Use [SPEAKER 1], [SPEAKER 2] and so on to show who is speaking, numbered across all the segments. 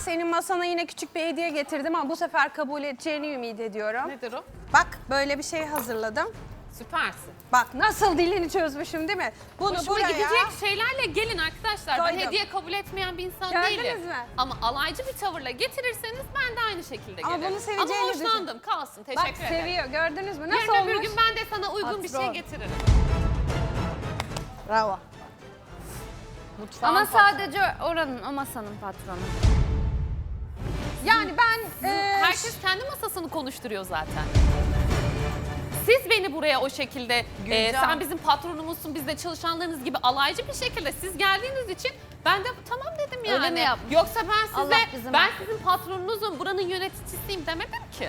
[SPEAKER 1] senin masana yine küçük bir hediye getirdim ama bu sefer kabul edeceğini ümit ediyorum.
[SPEAKER 2] Nedir o?
[SPEAKER 1] Bak böyle bir şey hazırladım.
[SPEAKER 2] Süpersin.
[SPEAKER 1] Bak nasıl dilini çözmüşüm değil mi? Bunu
[SPEAKER 2] Hoşuma
[SPEAKER 1] buraya...
[SPEAKER 2] gidecek şeylerle gelin arkadaşlar.
[SPEAKER 1] Koydum.
[SPEAKER 2] Ben hediye kabul etmeyen bir insan
[SPEAKER 1] Gördünüz
[SPEAKER 2] değilim.
[SPEAKER 1] mü?
[SPEAKER 2] Ama alaycı bir tavırla getirirseniz ben de aynı şekilde
[SPEAKER 1] Ama
[SPEAKER 2] gelirim.
[SPEAKER 1] bunu seveceğini
[SPEAKER 2] Ama hoşlandım. Kalsın.
[SPEAKER 1] Bak
[SPEAKER 2] Teşekkür ederim.
[SPEAKER 1] seviyor gördünüz mü? Nasıl
[SPEAKER 2] Yarın öbür
[SPEAKER 1] olmuş?
[SPEAKER 2] gün ben de sana uygun bir şey
[SPEAKER 1] Patron.
[SPEAKER 2] getiririm.
[SPEAKER 1] Bravo.
[SPEAKER 2] Mutfağın
[SPEAKER 3] Ama
[SPEAKER 2] patronu.
[SPEAKER 3] sadece oranın, o masanın patronu.
[SPEAKER 1] Yani ben...
[SPEAKER 2] Herkes kendi masasını konuşturuyor zaten. Siz beni buraya o şekilde, sen bizim patronumuzsun, biz de çalışanlarınız gibi alaycı bir şekilde siz geldiğiniz için ben de tamam dedim yani.
[SPEAKER 3] Öyle mi yapmış?
[SPEAKER 2] Yoksa ben
[SPEAKER 3] Allah
[SPEAKER 2] size,
[SPEAKER 3] bizim
[SPEAKER 2] ben
[SPEAKER 3] affetsin.
[SPEAKER 2] sizin patronunuzum, buranın yöneticisiyim demedim ki.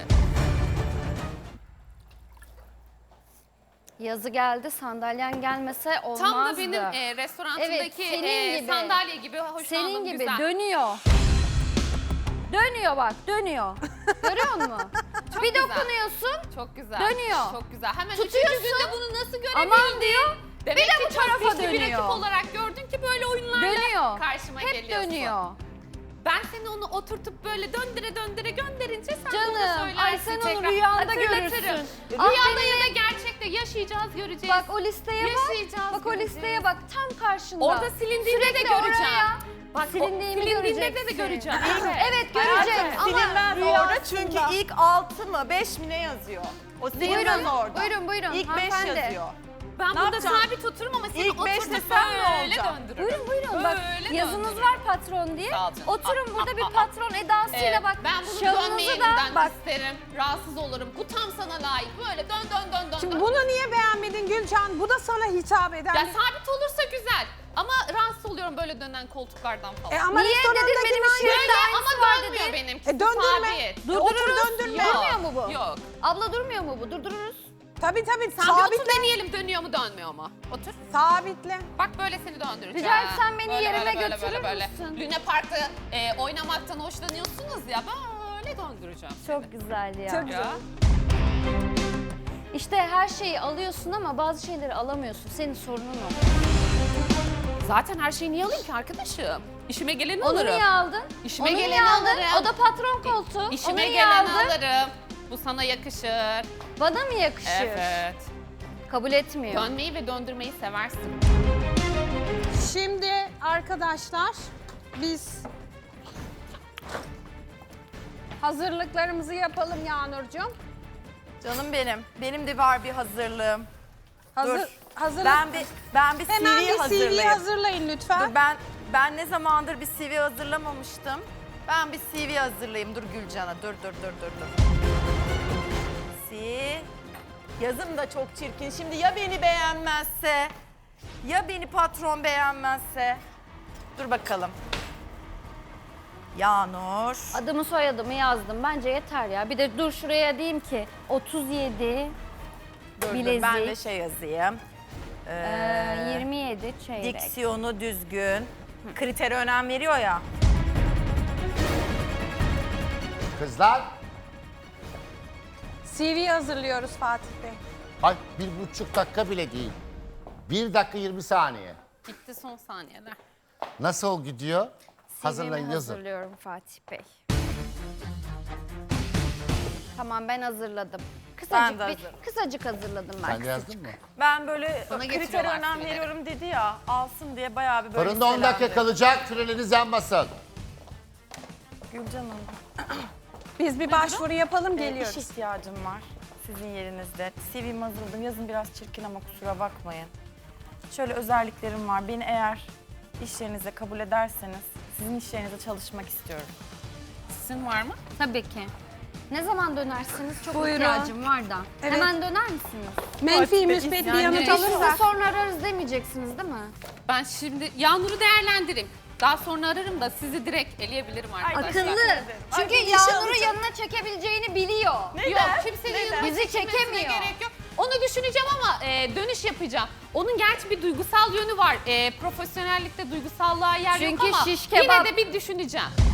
[SPEAKER 3] Yazı geldi, sandalyen gelmese olmazdı.
[SPEAKER 2] Tam da benim restorantındaki
[SPEAKER 3] Evet, senin gibi.
[SPEAKER 2] sandalye gibi hoşlandım,
[SPEAKER 3] Senin gibi
[SPEAKER 2] güzel.
[SPEAKER 3] dönüyor. Dönüyor bak, dönüyor. Görüyor musun? Bir
[SPEAKER 2] güzel.
[SPEAKER 3] dokunuyorsun,
[SPEAKER 2] Çok güzel.
[SPEAKER 3] Dönüyor.
[SPEAKER 2] Çok güzel. Hemen
[SPEAKER 3] Tutuyorsun.
[SPEAKER 2] üçüncü günde bunu nasıl görebildin?
[SPEAKER 3] aman diyor.
[SPEAKER 2] Demek
[SPEAKER 3] bir de
[SPEAKER 2] ki
[SPEAKER 3] bu
[SPEAKER 2] çok
[SPEAKER 3] tarafa
[SPEAKER 2] güçlü bir
[SPEAKER 3] dönüyor.
[SPEAKER 2] rakip olarak gördün ki böyle oyunlarla
[SPEAKER 3] Dönüyor.
[SPEAKER 2] karşıma
[SPEAKER 3] Hep
[SPEAKER 2] geliyorsun.
[SPEAKER 3] dönüyor.
[SPEAKER 2] Ben seni onu oturtup böyle döndüre döndüre gönderince sen de onu
[SPEAKER 3] Canım,
[SPEAKER 2] söylersin
[SPEAKER 3] ay sen onu
[SPEAKER 2] tekrar.
[SPEAKER 3] rüyanda
[SPEAKER 2] Hatırlatırım.
[SPEAKER 3] görürsün.
[SPEAKER 2] Rüyada ya da gerçekte yaşayacağız, göreceğiz.
[SPEAKER 3] Bak o listeye bak.
[SPEAKER 2] Yaşayacağız,
[SPEAKER 3] Bak o
[SPEAKER 2] göreceğiz.
[SPEAKER 3] listeye bak, tam karşında.
[SPEAKER 2] Orada silindiğinde de
[SPEAKER 3] Sürekli
[SPEAKER 2] göreceğim.
[SPEAKER 3] oraya
[SPEAKER 2] Bak
[SPEAKER 3] silindiğimi
[SPEAKER 2] silindiğinde de
[SPEAKER 3] göreceksin.
[SPEAKER 2] göreceğim.
[SPEAKER 3] Evet göreceğim ama
[SPEAKER 4] Silinmez
[SPEAKER 3] rüyasında.
[SPEAKER 4] orada çünkü ilk 6 mı 5 mi ne yazıyor? O silinmez
[SPEAKER 3] Buyurun,
[SPEAKER 4] orada.
[SPEAKER 3] buyurun
[SPEAKER 4] İlk 5
[SPEAKER 3] hanımefendi.
[SPEAKER 4] yazıyor.
[SPEAKER 2] Ben
[SPEAKER 4] Ne
[SPEAKER 2] burada
[SPEAKER 4] yapacağım?
[SPEAKER 2] sabit otururum ama seni
[SPEAKER 4] İlk beş
[SPEAKER 2] oturtup
[SPEAKER 4] desem ne
[SPEAKER 2] böyle
[SPEAKER 4] olacak?
[SPEAKER 2] döndürürüm.
[SPEAKER 3] Buyurun bak
[SPEAKER 2] Böyle
[SPEAKER 3] yazınız
[SPEAKER 2] döndürürüm.
[SPEAKER 3] var patron diye.
[SPEAKER 2] Sağ ol canım.
[SPEAKER 3] Oturun burada bir patron edasıyla
[SPEAKER 2] Evet,
[SPEAKER 3] bak.
[SPEAKER 2] ben bunu
[SPEAKER 3] şalınızı
[SPEAKER 2] dönmeyeninden
[SPEAKER 3] bak.
[SPEAKER 2] isterim. Rahatsız olurum. Bu tam sana layık. Böyle dön dön dön dön.
[SPEAKER 1] Şimdi
[SPEAKER 2] dön.
[SPEAKER 1] bunu niye beğenmedin Gülcan? Bu da sana hitap eden.
[SPEAKER 2] Ya sabit olursa güzel. Ama rahatsız oluyorum böyle dönen koltuklardan falan.
[SPEAKER 1] Ama
[SPEAKER 3] Niye dedin
[SPEAKER 1] restorandaki
[SPEAKER 3] benim
[SPEAKER 1] aynı-
[SPEAKER 3] işim
[SPEAKER 2] Böyle
[SPEAKER 3] aynısı
[SPEAKER 2] ama
[SPEAKER 3] var
[SPEAKER 2] dönmüyor
[SPEAKER 3] dedin.
[SPEAKER 2] benimkisi.
[SPEAKER 1] Döndürme.
[SPEAKER 2] Sabit.
[SPEAKER 1] Otur döndürme.
[SPEAKER 2] Yok,
[SPEAKER 3] Durmuyor mu bu?
[SPEAKER 2] Yok.
[SPEAKER 3] Abla durmuyor mu bu? Durdururuz.
[SPEAKER 1] Tabii
[SPEAKER 2] Sen bir otur
[SPEAKER 1] sabitle.
[SPEAKER 2] deneyelim dönüyor mu dönmüyor mu? Otur.
[SPEAKER 1] Sabitle.
[SPEAKER 2] Bak böyle seni döndüreceğim.
[SPEAKER 3] Rica etsem beni yerime götürür
[SPEAKER 2] böyle.
[SPEAKER 3] müsün?
[SPEAKER 2] Luna Park'ta oynamaktan hoşlanıyorsunuz ya böyle döndüreceğim.
[SPEAKER 3] Çok güzel ya.
[SPEAKER 1] Çok
[SPEAKER 2] Ya.
[SPEAKER 3] İşte her şeyi alıyorsun ama bazı şeyleri alamıyorsun. Senin sorunun o.
[SPEAKER 2] Zaten her şeyi niye alayım ki arkadaşım? İşime geleni
[SPEAKER 3] Onu
[SPEAKER 2] alırım.
[SPEAKER 3] niye aldın?
[SPEAKER 2] İşime
[SPEAKER 3] Onu
[SPEAKER 2] geleni
[SPEAKER 3] niye aldın?
[SPEAKER 2] alırım.
[SPEAKER 3] O da patron koltuğu. Onu
[SPEAKER 2] İşime
[SPEAKER 3] niye
[SPEAKER 2] geleni
[SPEAKER 3] aldın?
[SPEAKER 2] alırım. Bu sana yakışır.
[SPEAKER 3] Bana mı yakışır?
[SPEAKER 2] Evet.
[SPEAKER 3] Kabul etmiyor.
[SPEAKER 2] Dönmeyi ve döndürmeyi seversin.
[SPEAKER 1] Şimdi arkadaşlar biz hazırlıklarımızı yapalım Yağnurcuğum.
[SPEAKER 4] Canım benim. Benim de var bir hazırlığım. Dur.
[SPEAKER 1] Hazırlık.
[SPEAKER 4] Ben bir
[SPEAKER 1] Hemen
[SPEAKER 4] CV
[SPEAKER 1] bir CV
[SPEAKER 4] hazırlayayım.
[SPEAKER 1] hazırlayın lütfen.
[SPEAKER 4] Dur, ben ne zamandır bir CV hazırlamamıştım. Ben bir CV hazırlayayım. Dur Gülcan'a. Dur. Yazım da çok çirkin. Şimdi ya beni beğenmezse, ya beni patron beğenmezse. Dur bakalım. Yağnur.
[SPEAKER 3] Adımı soyadımı yazdım. Bence yeter ya. Bir de dur şuraya diyeyim ki 37
[SPEAKER 4] Dur,
[SPEAKER 3] bilezik.
[SPEAKER 4] ben de şey yazayım.
[SPEAKER 3] 27 çeyrek.
[SPEAKER 4] Diksiyonu düzgün. Kritere önem veriyor ya.
[SPEAKER 5] Kızlar,
[SPEAKER 1] CV hazırlıyoruz Fatih Bey.
[SPEAKER 5] ay 1,5 dakika bile değil. 1 dakika 20 saniye.
[SPEAKER 2] Bitti son saniyeler.
[SPEAKER 5] Nasıl gidiyor? Hazırlayın,
[SPEAKER 3] CV'mi
[SPEAKER 5] yazın.
[SPEAKER 3] hazırlıyorum Fatih Bey. Tamam ben hazırladım.
[SPEAKER 4] Ben de
[SPEAKER 3] Kısacık hazırladım ben.
[SPEAKER 5] Sen de yazdın mı?
[SPEAKER 4] Ben böyle
[SPEAKER 2] Bana
[SPEAKER 4] kritere
[SPEAKER 2] getiriyorlar
[SPEAKER 4] önem
[SPEAKER 2] şeyleri.
[SPEAKER 4] veriyorum dedi ya. Alsın diye bayağı bir böyle
[SPEAKER 5] Fırında 10 dakika
[SPEAKER 4] listelendim.
[SPEAKER 5] kalacak, freniniz yanmasın.
[SPEAKER 4] Gülcan Hanım.
[SPEAKER 1] Biz bir başvuru yapalım
[SPEAKER 4] İş
[SPEAKER 1] geliyoruz.
[SPEAKER 4] ihtiyacım var sizin yerinizde. CV'mi hazırladım. Yazın biraz çirkin ama kusura bakmayın. Şöyle özelliklerim var. Beni eğer iş yerinize kabul ederseniz sizin iş yerinizde çalışmak istiyorum.
[SPEAKER 2] Sizin var mı?
[SPEAKER 3] Tabii ki. Ne zaman dönersiniz? Çok
[SPEAKER 1] Buyurun.
[SPEAKER 3] ihtiyacım var da.
[SPEAKER 1] Evet.
[SPEAKER 3] Hemen döner misiniz?
[SPEAKER 1] Menfi müspet bir
[SPEAKER 4] yani
[SPEAKER 1] yanıt
[SPEAKER 4] iş
[SPEAKER 3] Sizi
[SPEAKER 1] alırsak.
[SPEAKER 3] sonra ararız demeyeceksiniz değil mi?
[SPEAKER 2] Ben şimdi Yağnur'u değerlendireyim. Daha sonra ararım da sizi direkt eleyebilirim arkadaşlar.
[SPEAKER 3] Akıllı. Çünkü
[SPEAKER 4] Ay, bir işe
[SPEAKER 3] Yağnur'u
[SPEAKER 4] alacağım.
[SPEAKER 3] yanına çekebileceğini biliyor.
[SPEAKER 2] Yok kimsenin yanına
[SPEAKER 3] Bizi
[SPEAKER 2] çekilmesine
[SPEAKER 3] çekemiyor.
[SPEAKER 2] gerek yok. Onu düşüneceğim ama dönüş yapacağım. Onun gerçi bir duygusal yönü var. Profesyonellikte duygusallığa yer yok
[SPEAKER 3] Çünkü
[SPEAKER 2] ama
[SPEAKER 3] şiş
[SPEAKER 2] yine
[SPEAKER 3] kebap.
[SPEAKER 2] de bir düşüneceğim.